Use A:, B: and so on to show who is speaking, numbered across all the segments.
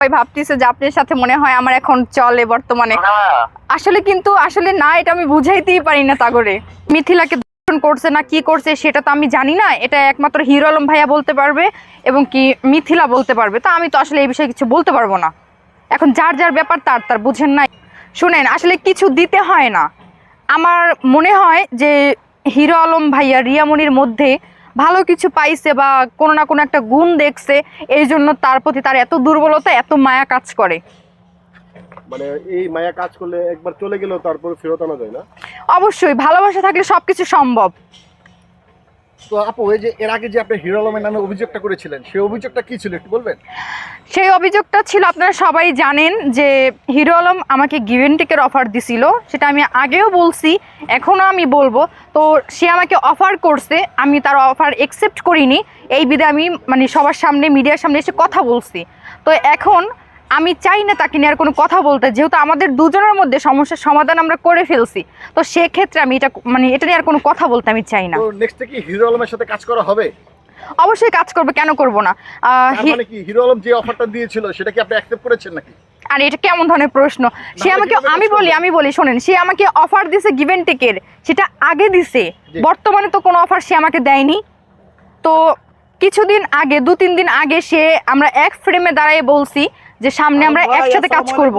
A: ভাবতেছে যে আপনার সাথে মনে হয় আমার এখন চলে বর্তমানে। আসলে না, এটা আমি বুঝাইতেই পারি না তাগরে। মিথিলাকে ধর্ষণ করছে না কি করছে সেটা তো আমি জানি না, এটা একমাত্র হিরো আলম ভাইয়া বলতে পারবে এবং কি মিথিলা বলতে পারবে। তো আমি তো আসলে এই বিষয়ে কিছু বলতে পারবো না। এখন যার যার ব্যাপার তার বুঝেন নাই। শুনেন, আসলে কিছু দিতে হয় না। আমার মনে হয় যে হিরো আলম ভাইয়া রিয়ামনির মধ্যে ভালো কিছু পাইছে বা কোনো না কোনো একটা গুণ দেখছে, এই জন্য তার প্রতি তার এত দুর্বলতা, এত মায়া কাজ করে।
B: মানে এই মায়া কাজ করলে একবার চলে গেলেও তারপর ফেরত আনা যায় না?
A: অবশ্যই, ভালোবাসা থাকলে সবকিছু সম্ভব।
B: তো আপু, এই যে এর আগে যে আপনি হিরো আলমের নামে অভিযোগটা করেছিলেন, সেই অভিযোগটা কি ছিল একটু বলবেন?
A: সেই অভিযোগটা ছিল, আপনারা সবাই জানেন যে হিরো আলম আমাকে গিভ অ্যান্ড টেকের অফার দিছিল। সেটা আমি আগেও বলছি, এখনও আমি বলবো। তো সে আমাকে অফার করছে, আমি তার অফার অ্যাকসেপ্ট করিনি। এই বিধে আমি মানে সবার সামনে, মিডিয়ার সামনে এসে কথা বলছি। তো এখন আমি চাই না তাকে নিয়ে আর কোনো কথা বলতে, যেহেতু আমাদের দুজনের মধ্যে সমস্যার সমাধান আমরা করে ফেলছি। তো সেক্ষেত্রে আমি এটা নিয়ে আর কোনো কথা বলতে আমি চাই না।
B: তো নেক্সটে কি হিরো আলমের সাথে কাজ করা হবে?
A: অবশ্যই কাজ করবে, কেন করব না।
B: মানে কি হিরো আলম যে অফারটা দিয়েছিল সেটা কি আপনি অ্যাকসেপ্ট করেছেন নাকি?
A: আর এটা কেমন ধরনের প্রশ্ন? সে আমাকে, আমি বলি শোনেন, সে আমাকে অফার দিছে গিভ অ্যান্ড টেকের, সেটা আগে দিছে। বর্তমানে তো কোনো অফার সে আমাকে দেয়নি। তো কিছুদিন আগে, 2-3 দিন আগে আমরা এক ফ্রেমে দাঁড়িয়ে বলছি যে সামনে আমরা একসাথে কাজ করব।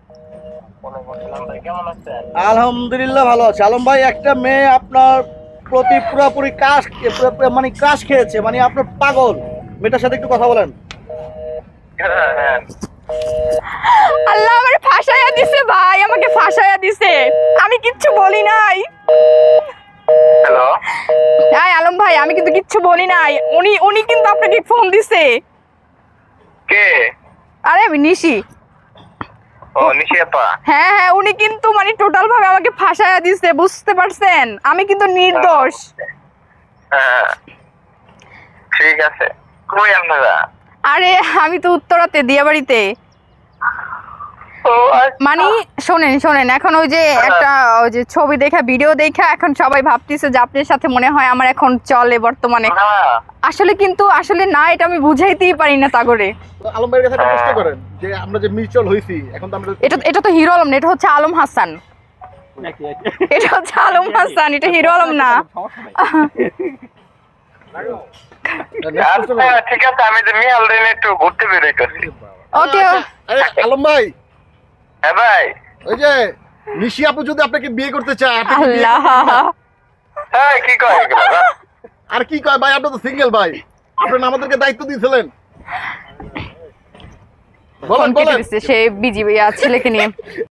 C: আলহামদুলিল্লাহ ভালো আছে। আলম ভাই, একটা মেয়ে আপনার প্রতি পুরোপুরি ক্রাশ খেয়েছে, মানে আপনার পাগল। মেয়েটার সাথে একটু কথা বলেন।
A: আল্লাহ আমারে ফাঁসায়া দিছে ভাই, আমাকে ফাঁসায়া দিছে। আমি কিচ্ছু বলি নাই।
D: হ্যালো,
A: হ্যাঁ আলম ভাই, আমি কিন্তু কিচ্ছু বলি নাই। উনি কিন্তু আপনাকে ফোন দিছে।
D: কে?
A: আরে আমি নিশি।
D: ও নিশি আপা।
A: হ্যাঁ, উনি কিন্তু মানে টোটাল ভাবে আমাকে ফাঁসায়া দিছে, বুঝতে পারছেন? আমি কিন্তু নির্দোষ।
D: হ্যাঁ, ঠিক আছে। কই আপনারা?
A: আরে আমি তো উত্তরাতে, দিয়াবাড়িতে।
D: ও আচ্ছা।
A: মানে শোনেন, এখন ওই যে একটা ওই যে ছবি দেখা, ভিডিও দেখা এখন সবাই ভাবতেছে যে আপনার সাথে মনে হয় আমার এখন চলে বর্তমানে। আসলে না, এটা আমি বুঝাইতেই পারি না তাগরে।
B: তো আলম ভাইয়ের কাছে একটা প্রশ্ন করেন যে আমরা যে মিউচুয়াল হইছি, এখন তো আমরা
A: এটা তো হিরো আলম না, এটা হচ্ছে আলম হাসান। এটা হচ্ছে আলম হাসান, এটা হিরো আলম না।
D: আচ্ছা, ঠিক আছে, আমি যে মিয়াল দিন একটু ঘুরতে বেরোইতেছি।
A: ওকে।
B: আরে আলম ভাই,
D: হ্যাঁ ভাই।
B: ওই যে নিশি আপু যদি আপনাকে বিয়ে করতে চায়, আপনি কি বিয়ে
A: আল্লাহ,
B: করবেন?
D: হ্যাঁ, কি কয় এগুলো?
B: আর কি কয় ভাই, আপনি তো সিঙ্গেল ভাই, আপনারা আমাদেরকে দায়িত্ব দিয়েছিলেন। বলেন
A: সে বিজি ছেলেকে নিয়ে।